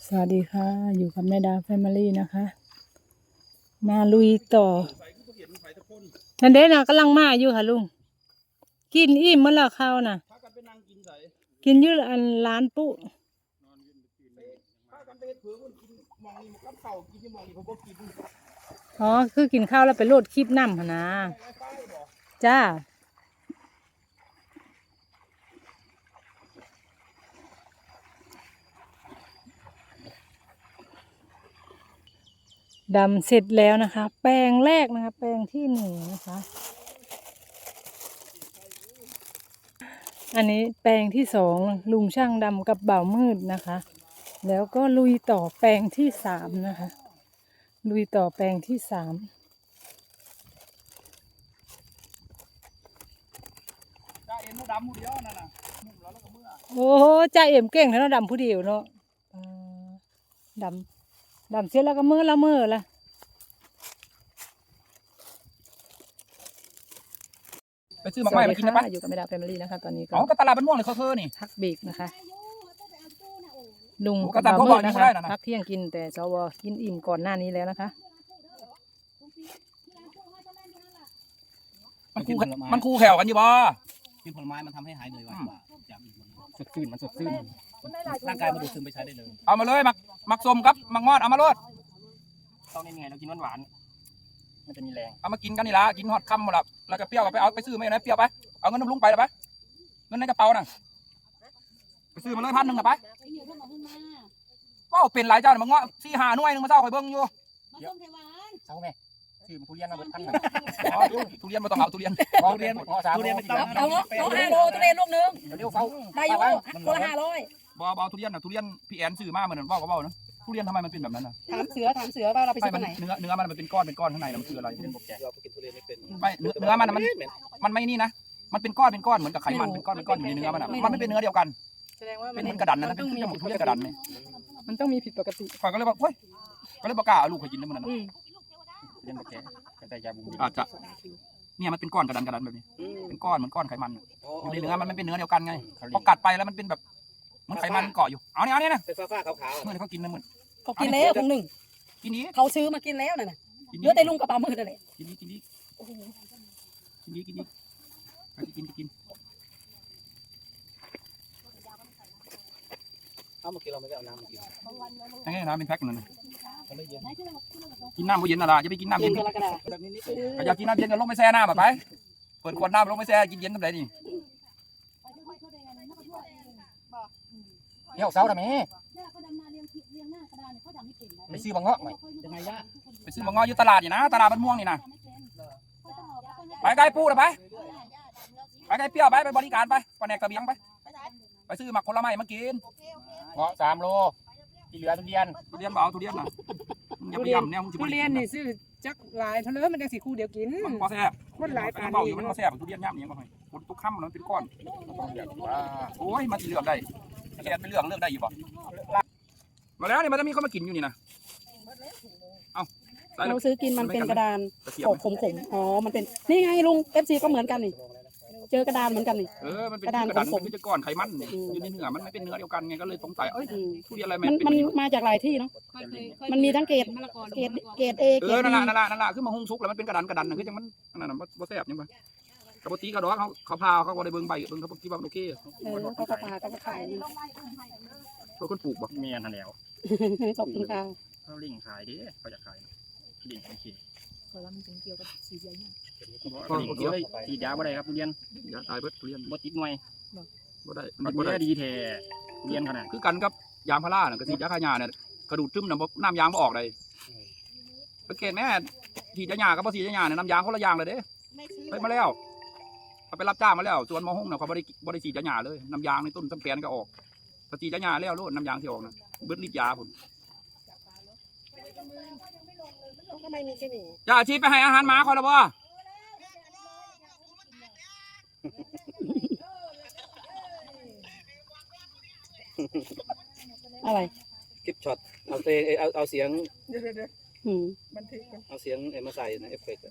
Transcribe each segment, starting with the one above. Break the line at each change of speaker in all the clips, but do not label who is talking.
สวัสดีค่ะอยู่กับแม่ดาแฟมิลี่นะคะมาลุยต่อทันเดน่ะกำลังมาอยู่ค่ะลุงกินอิ่มเมื่อละข้าวน่ะกินอยืดอันร้านปุ๊อ๋อคือกินข้าวแล้วไปโลดคลิปน้ำหนนะจ้าดำเสร็จแล้วนะคะ แปลงแรกนะคะ แปลงที่หนึ่งนะคะอันนี้แปลงที่สองลุงช่างดำกับบ่าวมืดนะคะ แล้วก็ลุยต่อแปลงที่สามนะคะลุยต่อแปลงที่สามโอ้โหจ่าเอ็มเก่งแล้วดำผู้เดียวเนาะดำเสร็จแล้วก็มือละ
ไปซื้อหมากไม้มากินนะปะ
อยู่กับแม่ดาแฟมิลี่นะคะตอนนี้ก็
ก็ตลาดบ้านม่วงเลยเขานี่
พักเบรกนะคะลุง
ก็ตามเขาบอก
นะคะ
นะ
พักเที่ยงกินแต่สวกินอิ่มก่อนหน้านี้แล้วนะคะ
มันคู่แขวกันอยู่บ่
กินผลไม้มันทำให้หายเหนื่อยไวกว่าจากอื่น
สดชื่นมันสดชื่น
ร่างกายมันดูดซึมไปใช้ได้เลย
เอามาเลยมักส้มกับมักงอดเอามาโลด
ต้องยังไงเรากินหวานมันจะมีแรง
เอามากินกันนี่ละกินฮอดค่ำหมดละแล้วก็เปรี้ยวไปเอาไปซื้อไม่นะเปรี้ยวไปเอาเงินน้ำลุงไปเลยไปเงินในกระเป๋าน่ะไปซื้อมาเลย1,000ไปก็เป็นหลายเจ้ามังงอ4-5 หน่วยนึงมาเจ้าคอยเบิ้งอยู่
เศร้าไหมชื่อมันทุเรียนมาเบิดพันเลย
ทุเรียนมาต้องเอาทุเรียน
ทุเรียนไม่ต้อง
เอา5 โลทุเรียนลูกนึง
เดี๋ยวเฝ้า
ได้อยู่คนละ500
บ่ทุเรียนน่ะทุเรียนพี่แอนซื้อมาเหมือนว่านะทุเรียนทำไมมันเป็นแบบนั้นน่ะ
ถามเสือว่าเราไปซื้อที่ไหน
เนื้อมันเป็นก้อนข้างในมันคืออะไร
เป็นบกแกเรากินทุเรียนไม่เป็น
ไม่เนื้อมันไม่นี่นะมันเป็นก้อนเหมือนกับไขมันเป็นก้อนอยู่ในเนื้อมันไม่เป็นเนื้อเดียวกัน
แสดงว่า
เป็นกระดันนะเป็นทุเรียนกระดันเนี่ย
มันต้องมีผิดปกติ
ฝ่ายก็เลยบอกเฮ้ยก็เลยบอกกล้าเอาลูกไปกินได้มันนะ
เรียนบกแกกระจายยาบุญ
อาจจะเนี่ยมันเป็นก้อนกระดันแบบนี้เป็นก้อนเหมือนก้อนไขมันอยู่ในเนื้อมันไม่เป็นเนื้อเดียวกันไงพอกัดไปแล้วมันเป็นแบบมันไขมันเกาะอยู่เอาเนี่ยนะ
เป็นฟ้าขาว
ๆเมื่อเขากินนะเหมือน
เขากินแล้วคงหนึ่ง
กินนี้
เขาซื้อมากินแล้วน่ะเยอะแต่ลุงกระเป๋ามือนั่นแหละ
กินนี้กินนี้
เอามากินเราไม่ได้เอาน้ำมากิน
ยังไงน้ำเป็นแพ็คนั่นกินน้ำบ่เย็นอะไรจะไปกินน้ำเย็นอยากกินน้ำเย็นก็ลงไปแช่น้ำแบบไปเปิดขวดน้ำลงไปแช่กินเย็นทำไรนี่
เดี๋ยวเสาทำไมไปซื้อบางเงาะหน่อยยังไงย่า
ไปซื้อบางเงาะอยู่ตลาดนี่นะตลาดบ้านม่วงนี่นะไปไก่ปูนะไปไก่เปรี้ยวไปบริการไปปลาแหนกกระเบียงไปซื้อหมักผลไม้มากิน
เงาะ3 โลที่เหลือทุเรียน
เอาทุเรียนนะอย่าไปย่ำเนี่ย
ทุเรียนนี่ซื้อจักหลายเท่าเลยมันจังสีคู่เดียวกิน
มันพอแซ่บ
คนหลายปาน
นี้มันพอแซ่บทุเรียนย่ำเนี่ยมาให้คนทุกค่ำมันเป็นก้อนโอ้ยมาที่เลือกได้แกไปเลือกได้อยู่ป่ะมาแล้วนี่มันจะมีคนมากินอยู่นี่นะ
เราซื้อกินมันเป็นกระดานขมอ๋อมันเป็นนี่ไงลุง FC ก็เหมือนกันนี่เจอกระดานเหมือนกันนี่
มันเป็นกระดานมันจะก้อนไขมันอยู่ในเนื้อมันไม่เป็นเนื้อเดียวกันไงก็เลยสงสัยทุเรียนอะไร
มันมาจากหลายที่เนาะมันมีทั้งเกรดA เกรด B
นั่นละขึ้นมาหุ้งซุกแล้วมันเป็นกระดานคือจังมันนั่นน่ะบ่แซ่บยังไงปกติกระดอกเขาพาเขาก็ได้เบิ่งใบเบิ่งเขาคิดว่าโอเค
เขาก็พาเขาก็ขาย
ตัวคนปลูกบ่
เมียนั่นแล้ว
ขอบคุณค่ะ
เขาลิงขายดิเขาจะขายลิงโอเค
เพราะว่ามันเป็นเกี่ยวกับสีใหญ่เนี่ย
ฉีดยาบ่ได้ครับทุเรียน
ยาตายเบิดทุเรียน
บ่ติดหน่วย
บ่ได้
บ่ได้ดีแท้ทุเรียนขนาด
คือกันกับยางพาราน่ะก็ฉีดยาฆ่าหญ้าเนี่ยกระดูดซึมน่ะน้ำยางบ่ออกเลยสังเกตแม่ฉีดยาหญ้ากับบ่ฉีดยาหญ้าเนี่ยน้ำยางคนละอย่างเลยเด้ไปมาแล้วเขาไปรับจ้างมาแล้วส่วนมอห้องน่ะเขาบ่ได้ฉีดยาหญ้าเลยน้ำยางในต้นต้นแปลนก็ออกถ้าฉีดยาหญ้าแล้วโลดน้ำยางที่ออกน่ะเบิดฤทธิ์ยาพุ่นอย่าชีไปให้อาหารหมาคอยละบ่
อะไร
คลิปช็อตเอาเสียงเอาเสียงมาใส่ในเอฟเฟกต์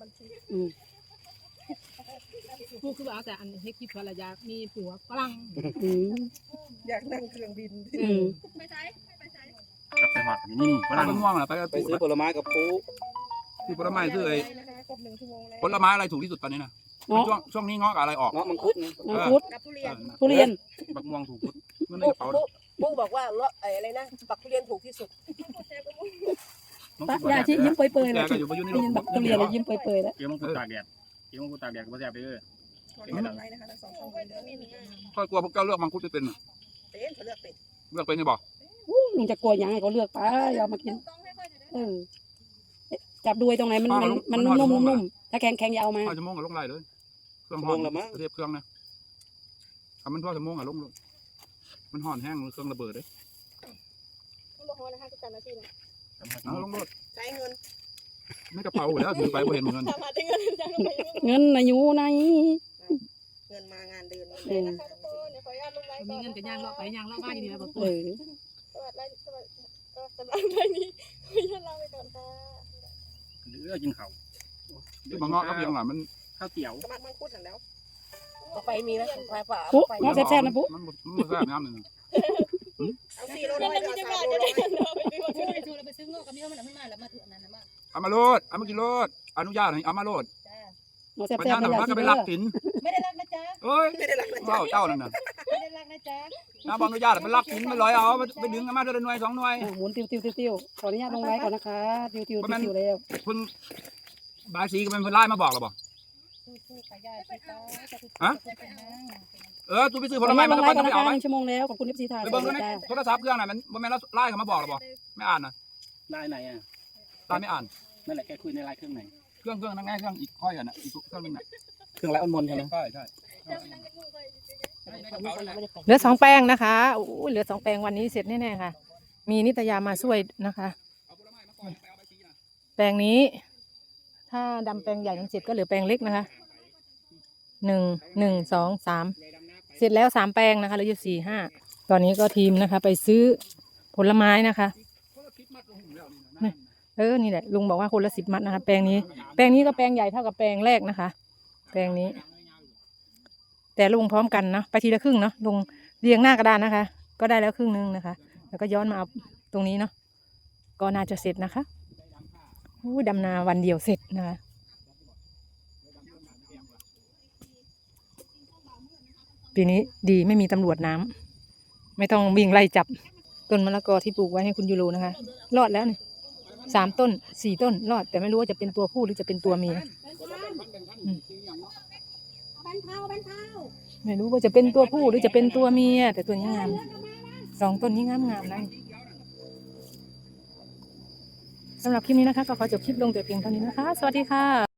พูดคือว่าแต่อันให้คิดภรรยามีผัวฝรั่ง
อยากนั่งเครื่องบิน
กับไปหอดนี่ฝ
ไป
รั่ง
ม่วงน่ะไป
ไปซื้อผลไม้กับปู
ซื้อผลไม้ซื้อไอ้ผลไม้อะไรถูกที่สุดตอนนี้นะ
เงาะ
ช่วงนี้เงาะกับอะไรออก
เงาะมังคุดไง
มังคุด
กับทุเรียน
ทุเรียน
บักม่วงถูก
เงินในกระเป๋า
ปุ๊บอกว่าอะไรนะปักทุเรียนถูกที่สุด
ปะยาชียิ้มเปยๆเลย
แกก็อยู่อยู่ใน
ได้ยินแบบทุเรียนเลยยิ้มเปยๆแล้ว
เกี่ยวมังคุดตากแดดเกี่ยวมังคุดตากแดดก็บ่แซ่บเด้อ
ไรนะคะทั้งสองช่อง
ก็กลัวพวกเจ้าเลือกมังคุดไม่เป็นน่ะ
เป็นเขาเลือกเป็น
เลือกเป็นจะบอก
ลุงจะกลัวยังไงก็เลือกไปเอามากินจับดูตรงไหนมันนุ่มๆถ้าแข็งๆอย่าเอามา
5 ชั่วโมงกับลงไรเลยเครื่อง
ชั่ว
ห่
โม
อน
งละมั้ง
เทียบเครื่องนะทำมันพ่อชั่วโมงอะลงมันห่อนแห้งเครื่องระเบิดเลย
ต้องบอกว่านะคะทุกการนาทีนะ
เอาลงรถ
ใช้เงิน
ไม่กระเป๋าแล้วถือไปบ่เห็นเหมือนกัน
ทำมาถึงเงินจะไป
เงินนะอยู่ใน
เงินมางานเดือน
เออ
นะคะทุกคนเดี๋ยวขออนุญาตลงไลน์ก่อน
มีเงินกันย่างเลาะไปย่างเลาะบ้านดีแล้วบอก
เออ
สวัสดีสวัสดีก็สำหรับไลน์นี้ขออนุญาตลาไปก่อนค่ะ
เลือกินข้าว
ที่บางเงาะก็เพียงหลังมัน
ข้าวเตี๋ยว
สมัครมังคุดหันแล้วต่อไปมีไหมฝ่ายฝ่า
ปุ๊เงาะแซ่บๆนะปุ๊
มันแซ่บน้ำหนึ่ง
เอา4 โลร้อยหรือเอา3 โลร้อย
ไปซื้อเงาะกับมีข้าวมันขึ้นมาแล้วมาถือนั้นมา
เอามาโลดเอามากินโลดอนุญาตให้เอามาโลด
เงาะแซ่
ปัญญา
บๆ
หนั
นะ
ก
ยา
มัน
ชี
ก็ไป
เด้
ลั
อก
กิน
ไม่ได้รักนะจ๊ะ
เอ้ย
ไม่ได้รักนะ
เจ้าเจ้านั่นน่ะ
ไม่ได้รักนะจ๊ะ
น้าบอนุญาตไปลักกินไม่ลอยเอาไปดึงกันมาเดือนหน่วย2 หน่วย
หมุนติ้วขออนุญาตลงไลน์ก่อนนะคะติ้วแล้ว
เพิ่งบายสีก็เป็นเพิ่นไล่มาบอกเราบอก
สู้ๆขายาชีตาจะถูก
ตูไปซื้อผ
ขอ
ล
อนุ
ไม้
ญาตล
มัน
ง
ก็
ไล
ไป
น์ก่อน
ไม่
นะคะ
เอาไหม
1 ชั่วโมงแล้วขอบคุณ FC ถ่าย
ไปเบิ่งในโทรศัพท์เครื่องไหนมันบ่แม่นไล่เขามาบอกเราบอกไม่อ่านนะ
ได้ไหนอ่ะ
ตาไม่อ่าน
นั่นแหละแกคุยในไลน์เครื่องไหน
เครื่องนั่งง่ายเครื่องอีกค่อยกันนะอีกเครื่องนึงน่ะ
เครื่องไร้อ้อนมนใช่ไหม
ใช่ใช่
เหลือ2 แปลงนะคะโอ้เหลือ2 แปลงวันนี้เสร็จแน่ๆค่ะ มีนิตยามาช่วยนะคะ แปลงนี้ ถ้าดำแปลงใหญ่นั้นเสร็จก็เหลือแปลงเล็กนะคะ1 2 3เสร็จแล้ว3 แปลงนะคะเหลืออยู่4 5ตอนนี้ก็ทีมนะคะ ไปซื้อผลไม้นะคะนี่แหละลุงบอกว่าคนละ10 มัดนะคะ แปลงนี้ก็แปลงใหญ่เท่ากับแปลงแรกนะคะ แปลงนี้ แต่ลงพร้อมกันนะไปทีละครึ่งเนาะลงเรียงหน้ากระดานนะคะ ก็ได้แล้วครึ่งนึงนะคะ แล้วก็ย้อนมาเอาตรงนี้เนาะก็น่าจะเสร็จนะคะดำนาวันเดียวเสร็จนะคะปีนี้ดีไม่มีตำรวจน้ำไม่ต้องวิ่งไล่จับต้นมะละกอที่ปลูกไว้ให้คุณยูโรนะคะ รอดแล้วนี่3 ต้น 4 ต้นรอดแต่ไม่รู้ว่าจะเป็นตัวผู้หรือจะเป็นตัวเมียไม่รู้ว่าจะเป็นตัวผู้หรือจะเป็นตัวเมียแต่ตัวนี้งาม2 ต้นนี้งามนะสำหรับคลิปนี้นะคะก็ขอจบคลิปลงแต่เพียงเท่านี้นะคะสวัสดีค่ะ